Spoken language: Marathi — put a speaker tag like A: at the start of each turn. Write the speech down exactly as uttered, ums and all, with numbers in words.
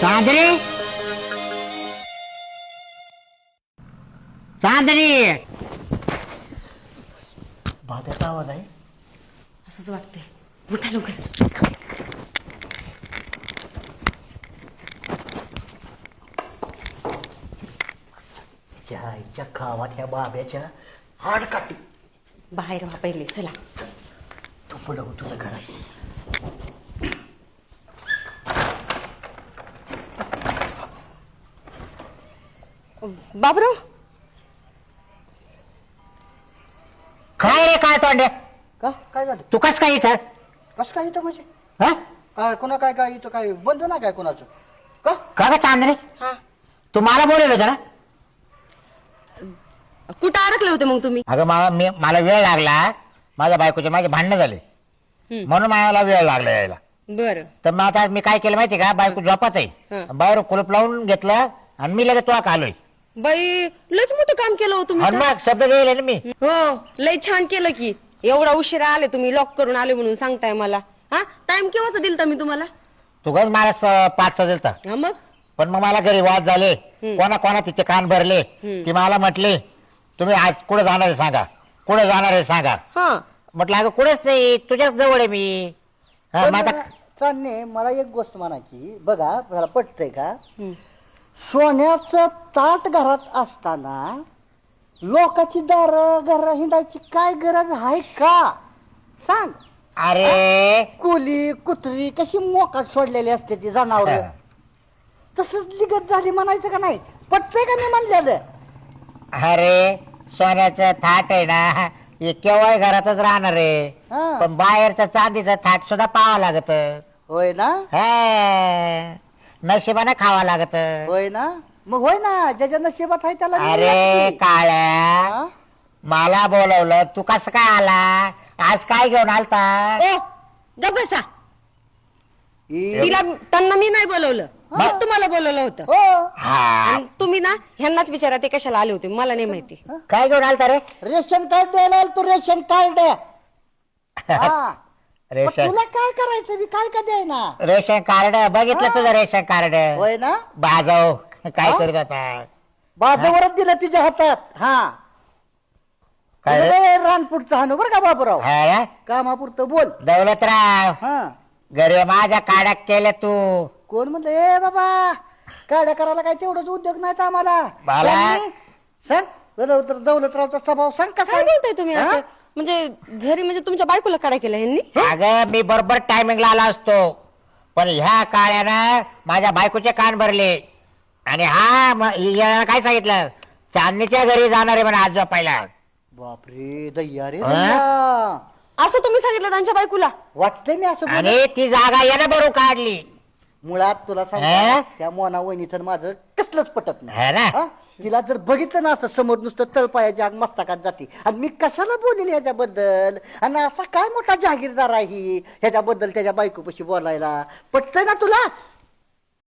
A: चांदणी चांदणी
B: भात्याचा आवाज आहे.
C: असंच वाटतंय. उठा लवकर.
B: आईच्या गावात ह्या बाब्याच्या हाड काटी.
C: बाहेर व्हा पहिले, चला.
B: तू पुढं हो तुझं घर आहे.
C: बाबराव,
A: काय रे काय तोंडे
B: का काय झालं?
A: तू कस काय इथं
B: कसं काय इथं म्हणजे
A: हा?
B: काय कोणा काय काय इथं काय बंद ना काय कोणाचं का?
A: का ग चांदणी
C: हा
A: तू मला बोलवलं होतं ना?
C: कुठं अडकले होते मग तुम्ही?
A: अगं मला मी मला वेळ लागला. माझ्या बायकोचे माझे भांडणं झाले
C: हम्म.
A: म्हणून मला वेळ लागला यायला.
C: बर
A: तर मग आता मी काय केलं माहिती का, बायको झोपत आहे,
C: हं.
A: बाहेर कुलूप लावून घेतलं आणि मी लगेच तुला आलोय.
C: बाई, लयच मोठं काम केलं हो तुम्ही
A: आणि
C: तर.
A: मग शब्द गेले ना मी.
C: हो, लय छान केलं की. एवढा उशिरा आले तुम्ही, लॉक करून आले म्हणून सांगताय मला. हा, टाइम केव्हाचा दिलता मी तुम्हाला?
A: तू गज मला स- पाचचा दिलता.
C: हा मग
A: पण मग मला घरी वाद झाले, कोणा कोणा तिचे कान भरले.
C: हम्म.
A: ती मला म्हटली तुम्ही आज कुठे जाणार आहे सांगा, कुठे जाणार आहे सांगा.
C: हा
A: म्हटलं अगं कुठेच नाही, तुझ्याच जवळ आहे मी. हा, मग आता
B: चालणे मला एक गोष्ट म्हणायची. बघा मला पटतंय का?
C: हम्म.
B: सोन्याचं ताट घरात असताना लोकांची दार घर हिंडायची काय गरज आहे का? सांग.
A: अरे
B: कोली कुत्री कशी मोकाट सोडलेली असते ती जनावर.
A: हा.
B: तसंच लिगत झाली म्हणायचं का नाही? पटतंय का मी म्हणलेलं?
A: अरे सोन्याचं थाट आहे ना, हे केव्हा घरातच राहणार आहे.
B: हा.
A: पण बाहेरचं चांदीचं थाट सुद्धा पाहावं लागत.
B: होय ना?
A: नशिबाने खावा लागत.
B: होय ना? मग होय ना, ज्याच्या नशिबात आहे त्याला मिळेल
A: अरे
B: की.
A: काळ्या,
B: हा?
A: मला बोलवलं, तू कसं काय आला? आज काय घेऊन आलता?
C: ओ, गप बसा.
B: ई-
C: तिला त्यांना मी नाही बोलवलं,
A: हा.
C: तुम्हाला बोलवलं होतं.
B: हो.
A: हा,
C: आणि तुम्ही ना ह्यांनाच विचारा ते कशाला आले होते, मला नाही माहिती.
A: काय घेऊन आलता रे?
B: रेशन कार्ड द्यायला आलो तू. रेशन कार्ड हा. मग
A: रेशन
B: तुला काय करायचं? मी काय का द्यायना?
A: रेशन कार्ड बघितलं
B: हा.
A: तुझं रेशन कार्ड?
B: होय ना?
A: बाजाव काय
B: हा?
A: करत होता?
B: बाजूवरच दिलं तिच्या हातात. हा.
A: काय रे?
B: तुला रानपुरचं हाणू बरं का बाबूराव.
A: हा ना?
B: कामापुरतं बोल.
A: दौलतराव,
B: हा.
A: घरी माझ्या काड्या केल्या तू.
B: कोण म्हणलं ए बाबा काड्या करायला काय तेवढंच उद्योग नाहीत आम्हाला.
A: बाला.
B: सांग नी. सांग दौलत दौलतरावचा स्वभाव सांग कसा
C: काय
B: आहे?
C: बोलताय तुम्ही
B: हा?
C: असं? म्हणजे घरी म्हणजे तुमच्या बायकोला काढा केला ह्यांनी?
A: अगं मी बरोबर टायमिंगला आला असतो, पण ह्या काळ्यानं माझ्या बायकोचे कान भरले. आणि हा म- याला काय सांगितलं, चांदणीच्या घरी जाणार आहे म्हणा आज झोपायला.
B: बापरे दैया रे
A: हा?
B: दैया.
C: असं तुम्ही सांगितलं त्यांच्या बायकोला?
B: वाटतंय मी असं बोलत.
A: आणि ती जागा यानं भरून काढली.
B: मुळात तुला
A: हा?
B: सांग त्या मोना वहिनीचं माझं कसलंच पटत नाही.
A: है ना?
B: हा? तिला जर बघितलं ना असं समोर नुसतं तळपायाच्या आग मस्तकात जाते. आणि मी कशाला बोलेल ह्याच्याबद्दल? आणि असा काय मोठा जहागीरदार आहे ही ह्याच्याबद्दल त्याच्या बायकोपाशी बोलायला? पटतंय ना तुला?